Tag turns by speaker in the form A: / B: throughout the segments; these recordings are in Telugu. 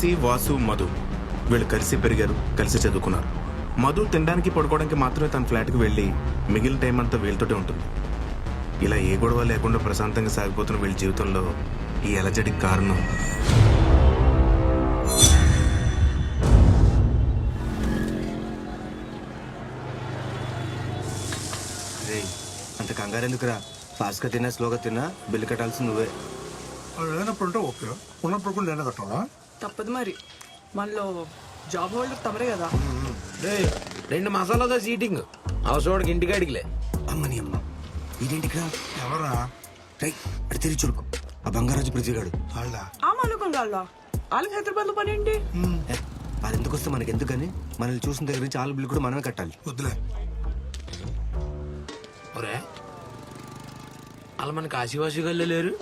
A: కాశీ, వాసు, మధు వీళ్ళు కలిసి పెరిగారు, కలిసి చదువుకున్నారు. మధు తినడానికి పడుకోవడానికి మాత్రమే తన ఫ్లాట్కి వెళ్ళి మిగిలిన టైం అంతా వీళ్ళతోటే ఉంటుంది. ఇలా ఏ గొడవ లేకుండా ప్రశాంతంగా సాగిపోతున్న వీళ్ళ జీవితంలో ఈ అలజడికి కారణం
B: అంత కంగారు ఎందుకురా? ఫాస్ట్గా తిన్నా స్లోగా తిన్నా బిల్లు కట్టాల్సి నువ్వే.
C: లేనప్పుడు ఉంటే ఓకే, ఉన్నప్పుడు కూడా నేనే కట్టాలా?
D: తప్పదు మరి, మనలో జాబ్ హోల్డర్ తమరే కదా.
E: 2 మసాలాతో సీటింగ్ అవసోడికి ఇంటికాడికిలే.
B: అమ్మని అమ్మ ఇదేంటికిరా?
C: ఎవరా?
B: రై అడి తిరిగి చూడు, ఆ బంగారాజు ప్రతిగాడు.
C: వాళ్ళ
D: ఆ మానుకోండి వాళ్ళకి హైదరాబాద్ లో పని ఏంటి?
B: వాళ్ళు ఎందుకు వస్తే మనకి ఎందుకని మనల్ని చూసిన దగ్గర నుంచి వాళ్ళ బిల్లు కూడా మనమే కట్టాలి.
C: వద్దులే.
E: ఒరే అలా మన కాశీవాసిగల్లో లేరు?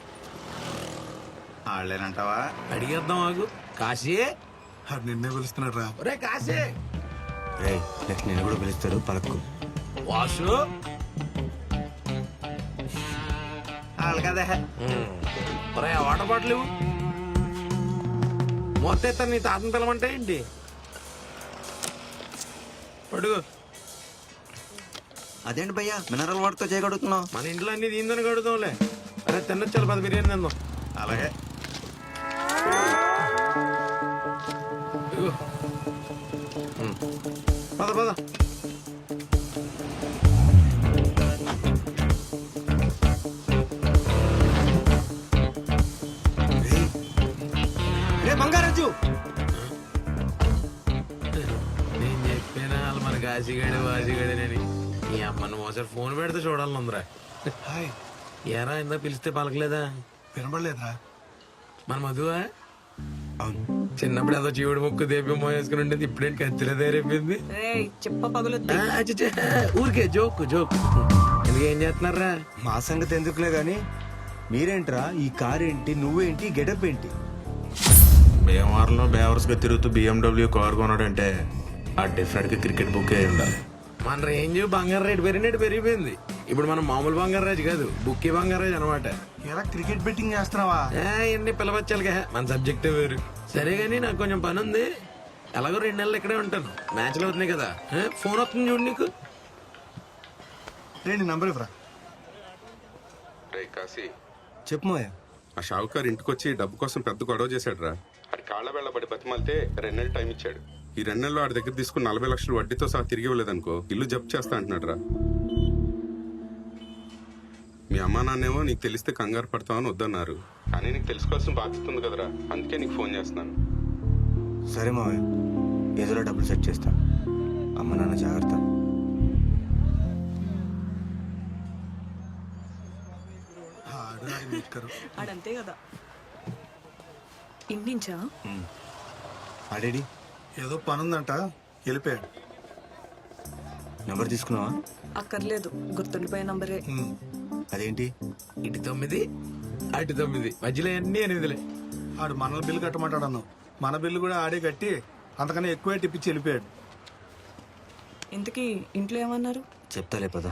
C: వాళ్ళేనంటావా?
E: అడిగేద్దాం ఆగు. కాశీ,
C: అది నిన్నే పిలుస్తున్నాడు రా.
E: ఒరే కాశీ.
B: రే నెక్స్ట్ నేను కూడా పిలుస్తారు పలక్కు.
E: వాసు
C: వాళ్ళు కదా.
E: ఒరే వాటర్ బాటిల్ ఇవ్వు. మొత్తం ఇస్తాను, నీ తాతను పిలవంటే ఏంటి? పడుగు.
B: అదేంటి భయ్యా మినరల్ వాటర్తో చేయగలుగుతున్నావు?
E: మన ఇంట్లో అన్ని దీందని కడుగుతాంలే. అరే తిన్నచ్చాలి 10 బిర్యానీ తిందాం.
C: అలాగే.
E: ఇదిగో. పద పద.
B: రే బంగారాజు,
E: నేను చెప్పినా వాళ్ళు మన కాశీగాడు వాసిగాడేనని. ఈ అమ్మను ఒకసారి ఫోన్ పెడితే చూడాలనుందిరా.
C: హాయ్.
E: ఏరా ఇందా పిలిస్తే పలకలేదా?
C: వినబడలేదురా?
E: మన మధువా?
B: అవును
E: చిన్నప్పుడు ఏదో జీవుడు ముక్కు దేపి మోయేసుకుని ఉండేది, ఇప్పుడేంటి కత్తిలో తయారైపోయింది.
D: చెప్ప పగులుద్ది.
E: ఊరికే జోక్ జోక్. ఎందుకు ఏం చేస్తున్నారా?
B: మా సంగతి ఎందుకులే గాని మీరేంట్రా? ఈ కార్ ఏంటి, నువ్వేంటి, గెటప్ ఏంటి?
A: భీమవరంలో బేవర్స్గా తిరుగుతూ BMW కారు కొన్నాడంటే ఆ డెఫినెట్గా క్రికెట్ బుక్ అయి ఉండాలి.
E: మన రేంజ్ బంగారు రేటు పెరిగిపోయింది. ఇప్పుడు మనం మామూలు బంగారాజు కాదు, బుక్కి బంగారాజు అనమాట.
C: ఎలా క్రికెట్ బెట్టింగ్ చేస్తున్నావా?
E: ఇవన్నీ పిలవచ్చాలిగా, మన సబ్జెక్ట్ వేరు. సరే గానీ నాకు కొంచెం పని ఉంది. ఎలాగో 2 నెలలు ఇక్కడే ఉంటాను. మ్యాచ్లు అవుతున్నాయి కదా. ఫోన్ వస్తుంది చూడు నీకు.
C: నీ నంబర్ ఇవ్వరా.
F: రే కాశీ,
B: చెప్పు మాయా.
F: ఆ షావుకారు ఇంటికొచ్చి డబ్బు కోసం పెద్ద గొడవ చేశాడు రా. అది కాళ్ళ వెళ్ళబడి బతిమాలితే 2 నెలలు టైం ఇచ్చాడు. ఈ 2 నెలల్లో ఆడి దగ్గర తీసుకుని 40 లక్షలు వడ్డీతో సహా తిరిగి ఇవ్వలేదనుకో ఇల్లు జప్తు చేస్తా అంటున్నాడు రా. మీ అమ్మా నాన్నేమో నీకు తెలిస్తే కంగారు పడతావని వద్దన్నారు. కానీ నీకు తెలుసుకోవాల్సిన బాధ్యత ఉంది కదరా, అందుకే నీకు ఫోన్ చేస్తున్నాను.
B: సరే మావయ్య, ఏదోలా డబ్బులు సెట్ చేస్తా. అమ్మ నాన్న జాగ్రత్త.
D: ఆడంతే కదా. ఇంటించా
B: ఆడేడి
C: ఏదో పని ఉందంట, వెళ్ళిపోయాడు.
B: నెంబర్ తీసుకున్నావా?
D: అక్కర్లేదు, గుర్తుండిపోయే నంబరే.
B: అదేంటి?
E: ఇటు 9 అటు 9 మధ్యలో అన్ని 8లే.
C: ఆడు మన బిల్లు కట్టమంటాడు అన్నావు. మన బిల్లు కూడా ఆడే కట్టి అంతకన్నా ఎక్కువే టిప్పించి వెళ్ళిపోయాడు.
D: ఇంతకీ ఇంట్లో ఏమన్నారు?
B: చెప్తాలే పదా.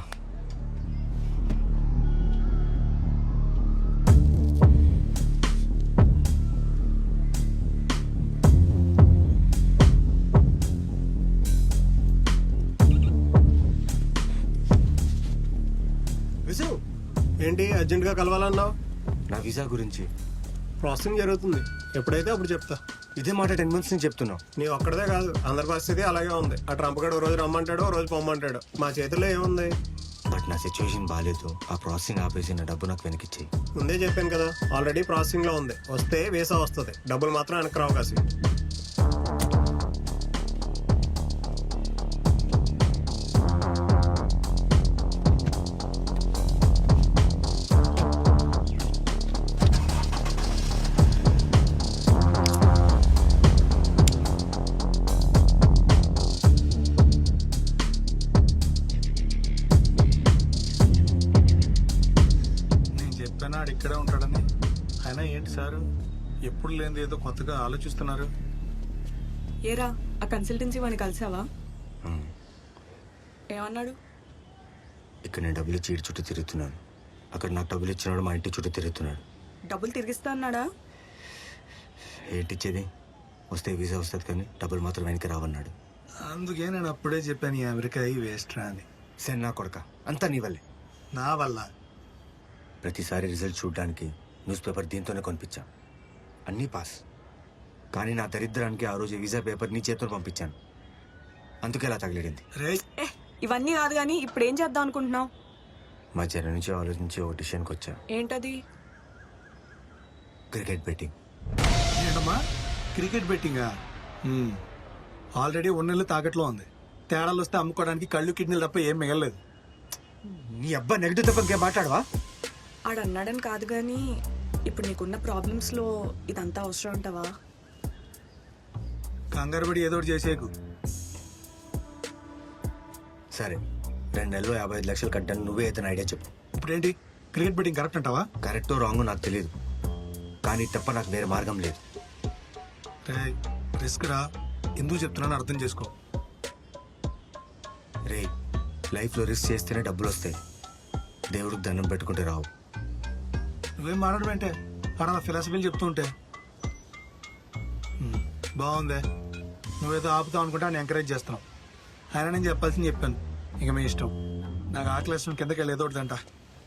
C: ఏంటి అర్జెంట్ గా కలవాలన్నావు?
B: నా వీసా గురించి
C: ప్రాసెసింగ్ జరుగుతుంది, ఎప్పుడైతే అప్పుడు చెప్తా.
B: ఇదే మాట 10 months నుంచి చెప్తున్నావు.
C: నీ ఒక్కడదే కాదు, అందరి పరిస్థితి అలాగే ఉంది. ఆ ట్రంప్ గడు రోజు రమ్మంటాడు, రోజు పొమ్మంటాడు. మా చేతిలో ఏముంది?
B: బట్ నా సిచ్యువేషన్ బాగాలేదు. ఆ ప్రాసెసింగ్ ఆపేసి నా డబ్బు నాకు వెనకిచ్చేయి.
C: ముందే చెప్పాను కదా, ఆల్రెడీ ప్రాసెసింగ్ లో ఉంది. వస్తే వీసా వస్తుంది, డబ్బులు మాత్రం వెనక్కి రావు. కాసి చెప్పానాడు ఇక్కడే ఉంటాడని. అయినా ఏంటి సారు ఎప్పుడు లేనిది ఏదో కొత్తగా ఆలోచిస్తున్నారు.
D: ఏరా ఆ కన్సల్టెన్సీ వాడిని కలిసావా? ఏమన్నాడు?
B: ఇక్కడ నేను డబ్బులు ఇచ్చి చుట్టూ తిరుగుతున్నాను, అక్కడ నాకు డబ్బులు ఇచ్చినాడు మా ఇంటి చుట్టూ తిరుగుతున్నాడు.
D: డబ్బులు తిరిగిస్తా అన్నాడా?
B: ఏంటిచ్చేది? వస్తే వీసా వస్తుంది కానీ డబ్బులు మాత్రం వెనక్కి రావన్నాడు.
C: అందుకే నేను అప్పుడే చెప్పాను ఈ అమెరికా ఈ వేస్ట్ రా అని.
B: సరే నా కొడక అంతా నీ వల్లే.
C: నా వల్ల
B: ప్రతిసారి రిజల్ట్ చూడడానికి న్యూస్ పేపర్ దీంతోనే కొనిపించా. అన్నీ పాస్. కానీ నా దరిద్రానికి ఆ రోజు వీసా పేపర్ నీ చేతితో పంపించాను. అందుకే ఇలా తగిలిడింది.
C: రే
D: ఇవన్నీ కాదు కానీ ఇప్పుడు ఏం చేద్దాం అనుకుంటున్నావు?
B: మధ్యాహ్నం నుంచి ఆలోచించి ఒక డిసిషన్కి వచ్చా.
D: ఏంటది?
B: Cricket betting.
C: ఏంటమ్మా క్రికెట్ బెట్టింగా? ఆల్రెడీ ఉన్నెళ్ళు తాకట్లో ఉంది. తేడాలు వస్తే అమ్ముకోవడానికి కళ్ళు కిడ్నీలు తప్ప ఏం మిగలలేదు.
B: నీ అబ్బా నెగిటివ్ తప్ప ఇంకేం మాట్లాడవా?
D: ఆడు అన్నాడని కాదు కానీ ఇప్పుడు నీకున్న ప్రాబ్లమ్స్లో ఇదంతా అవసరం ఉంటావా?
C: కంగారు పడి ఏదో ఒకటి చేసేకు.
B: సరే 2 నెలలు 55 లక్షలు కట్టాను. నువ్వే అయితే ఐడియా చెప్పు.
C: ఇప్పుడేంటి క్రికెట్ బెట్టింగ్ కరెక్ట్ అంటావా?
B: కరెక్టో రాంగో నాకు తెలియదు, కానీ తప్ప నాకు వేరే మార్గం లేదు.
C: రే రిస్క్ రా. ఎందుకు చెప్తున్నాను అర్థం చేసుకో.
B: రే లైఫ్లో రిస్క్ చేస్తేనే డబ్బులు వస్తాయి. దేవుడికి దండం పెట్టుకుంటే రావు.
C: నువ్వేం మాట్లాడడం అంటే అలా ఫిలాసఫీలు చెప్తూ ఉంటే బాగుందే. నువ్వేదో ఆపుతావు అనుకుంటే ఆయన ఎంకరేజ్ చేస్తున్నావు. ఆయన నేను చెప్పాల్సింది చెప్పాను. ఇక మీ ఇష్టం. నాకు ఆకలి కిందకి వెళ్ళి ఏదో ఒకటి అంట.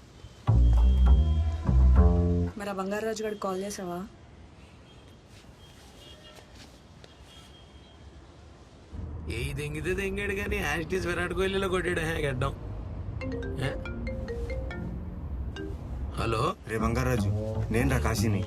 D: మరి ఆ బంగారాజు గారికి కాల్ చేసావా?
E: ఏ దెంగితే దెంగాడు కానీ యాస్టీస్ విరాట్ కోహ్లీలో కొట్టాడు గడ్డం. హలో
B: రే బంగారాజు, నేను రా కాశీని.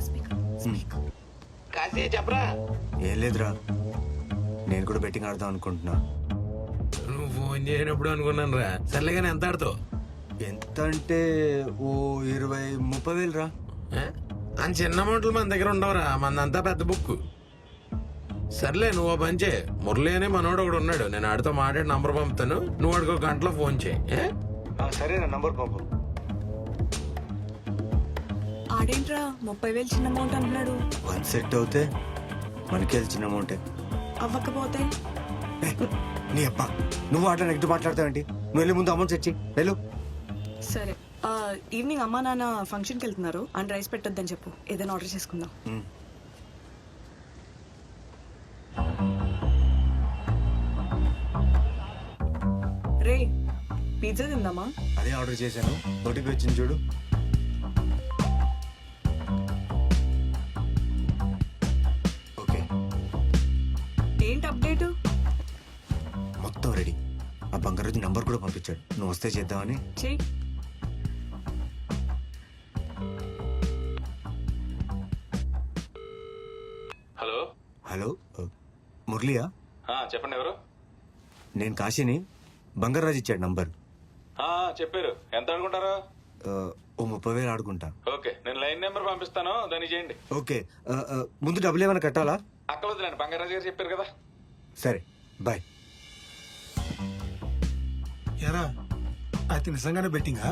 E: కాశీ చెప్పరా.
B: ఏం లేదురా, నేను కూడా బెట్టింగ్ ఆడదాం అనుకుంటున్నా.
E: నువ్వు ఫోన్ చేయనప్పుడు అనుకున్నాను రా. సర్లే కానీ ఎంత ఆడుతావు?
B: ఎంత అంటే ఓ 20-30 వేలు రా.
E: అని చిన్న అమౌంట్లు మన దగ్గర ఉండవురా, మందంతా పెద్ద బుక్. సర్లే నువ్వు ఓ పని చేయి. మురళి అనే మనోడు ఒకడు ఉన్నాడు, నేను ఆడితో మాట్లాడి నంబర్ పంపుతాను. నువ్వు వాడికి 1 గంటలో ఫోన్ చేయి.
B: సరే నా నంబర్ పంపు.
D: ఆడేంట్రా 30,000 చిన్న అమౌంట్ అంటున్నాడు?
B: 1 సెట్ అవుతే మనకి అది చిన్న అమౌంటే.
D: అవ్వకపోతే?
B: నీ అబ్బా నువ్వు అట్లా నెగిటివ్ మాట్లాడతావేంటి? నువ్వు వెళ్ళి ముందు అమౌంట్ తెచ్చి వెళ్ళు.
D: సరే ఈవినింగ్ అమ్మా నాన్న ఫంక్షన్కి వెళ్తున్నారు. అండ్ రైస్ పెట్టొద్దని చెప్పు, ఏదైనా ఆర్డర్ చేసుకుందాం. రే పిజ్జా తిందామా?
B: అదే ఆర్డర్ చేశాను, నోటికి వచ్చింది చూడు. ఓకే
D: ఏంటి అప్డేట్?
B: మొత్తం రెడీ. ఆ బంగారాజు నంబర్ కూడా పంపించాడు. నువ్వు వస్తే చేద్దామని.
D: చెయ్యి.
G: హలో
B: హలో మురళియా?
G: చెప్పండి ఎవరు?
B: నేను కాశీని. బంగారాజు ఇచ్చాడు నంబర్.
G: చెప్పారు. ఎంత అనుకుంటారు?
B: ఓ 30 వేలు ఆడుకుంటా.
G: ఓకే, నేను లైన్ నెంబర్ పంపిస్తాను, దాన్ని చేయండి.
B: ఓకే ముందు డబ్బులు ఏమైనా కట్టాలా?
G: అక్కర్లేదులేండి, బంగారాజు గారు చెప్పారు కదా.
B: సరే బాయ్.
C: ఎరా అయితే నిజంగానే బెట్టింగా?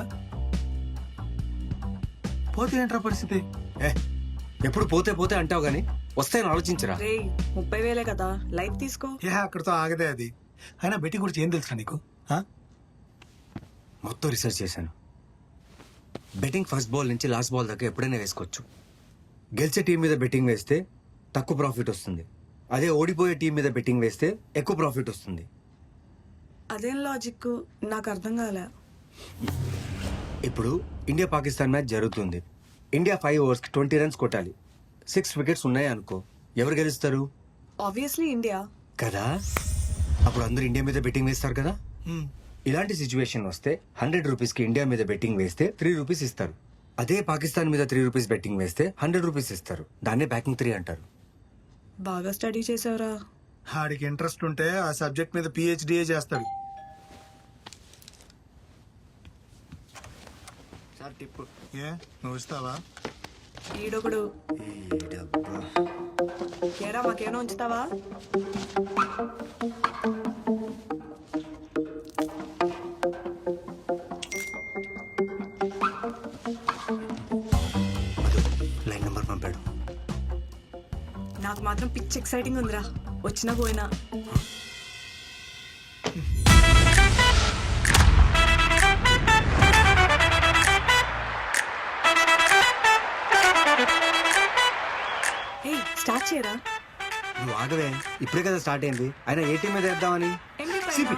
C: పోతే ఏంట్రా పరిస్థితి?
B: ఎప్పుడు పోతే పోతే అంటావు గానీ వస్తాయని ఆలోచించరా.
D: రే 30,000 కదా, లైఫ్ తీసుకో.
C: అక్కడితో ఆగదే అది. అయినా బెట్టింగ్ గురించి ఏం తెలుసా నీకు?
B: మొత్తం రీసెర్చ్ చేశాను. బెట్టింగ్ ఫస్ట్ బాల్ నుంచి లాస్ట్ బాల్ దాకా ఎప్పుడైనా వేసుకోవచ్చు. గెలిచే టీం మీద బెట్టింగ్ వేస్తే తక్కువ ప్రాఫిట్ వస్తుంది. అదే ఓడిపోయే టీం మీద బెట్టింగ్ వేస్తే ఎక్కువ ప్రాఫిట్ వస్తుంది.
D: అదేం లాజిక్ నాకు అర్థం కాలే.
B: ఇప్పుడు ఇండియా పాకిస్తాన్ మ్యాచ్ జరుగుతుంది. ఇండియా 5 ఓవర్స్కి 20 రన్స్ కొట్టాలి. 6 వికెట్స్ ఉన్నాయి అనుకో, ఎవరు గెలుస్తారు?
D: ఆబ్వియస్లీ ఇండియా
B: కదా. అప్పుడు అందరూ ఇండియా మీద బెట్టింగ్ వేస్తారు కదా. ఇలాంటి సిచ్యువేషన్ వస్తే 100 రూపీస్కి ఇండియా మీద బెట్టింగ్ వేస్తే 3 రూపీస్ ఇస్తారు. అదే పాకిస్తాన్ మీద 3 రూపీస్ బెట్టింగ్ వేస్తే 100 రూపీస్ ఇస్తారు. దాన్నే బ్యాకింగ్ 3 అంటారు.
D: బాగా స్టడీ చేసావురా.
C: ఆడికి ఇంట్రెస్ట్ ఉంటే ఆ సబ్జెక్ట్ మీద PhD చేస్తాడు.
B: Sir tip.
C: ఏ నువ్వు ఇస్తావా?
D: ఈడొకడు. ఏరా మాకేమైనా ఉంచుతావా?
B: లైన్ నెంబర్ పంపాడు.
D: నాకు మాత్రం పిచ్ ఎక్సైటింగ్ ఉందిరా, వచ్చినా పోయినా. స్టార్ట్ చేయరా.
B: నువ్వు ఆగవే, ఇప్పుడే కదా స్టార్ట్ అయింది. అయినా ఏ టీం మీద వేద్దామని.
D: ఎంబీ
C: సిపి.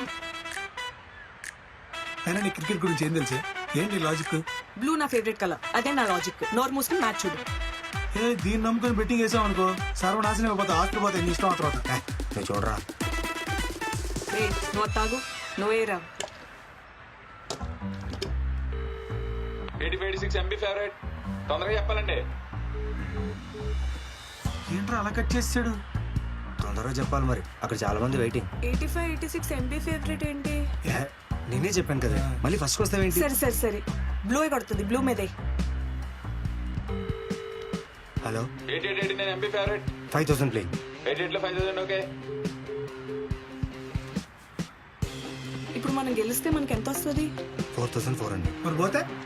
C: అయినా నీ క్రికెట్ గురించి ఏం తెలుసు? ఏంటి లాజిక్?
D: బ్లూ నా ఫేవరెట్ కలర్, అదే నా లాజిక్. నోర్ మూసుకుని మ్యాచ్ చూడు.
C: దీన్ని నమ్ముకొని బెట్టింగ్ వేసాం అనుకో, సర్వనాశనం అయిపోతా. ఆస్తి పోతే ఎన్ని ఇష్టం ఆ తర్వాత.
B: నువ్వు చూడరా.
D: రే నువ్వు తాగు, నువ్వేరా.
G: 8586 ఎంబీ ఫేవరెట్. తొందరగా చెప్పాలండి.
C: ఏంట్రా అలా కట్ చేసాడు?
B: తొందరగా చెప్పాలి మరి, అక్కడ చాలా మంది వెయిటింగ్.
D: 8586 ఎంబీ ఫేవరెట్ ఏంటి?
B: నేనే చెప్పాను కదా, మళ్ళీ ఫస్ట్ వస్తావేంటి?
D: సరే సరే సరే, బ్లూ కొడుతుంది, బ్లూ మీదే.
B: Hello,
G: 8889 MB favourite.
B: 5000 ప్లే.
G: 88 లో 5000 ఓకే.
D: ఇప్పుడు మనం గెలిస్తే మనకి ఎంత వస్తుంది?
B: 4400.
C: మరి పోతే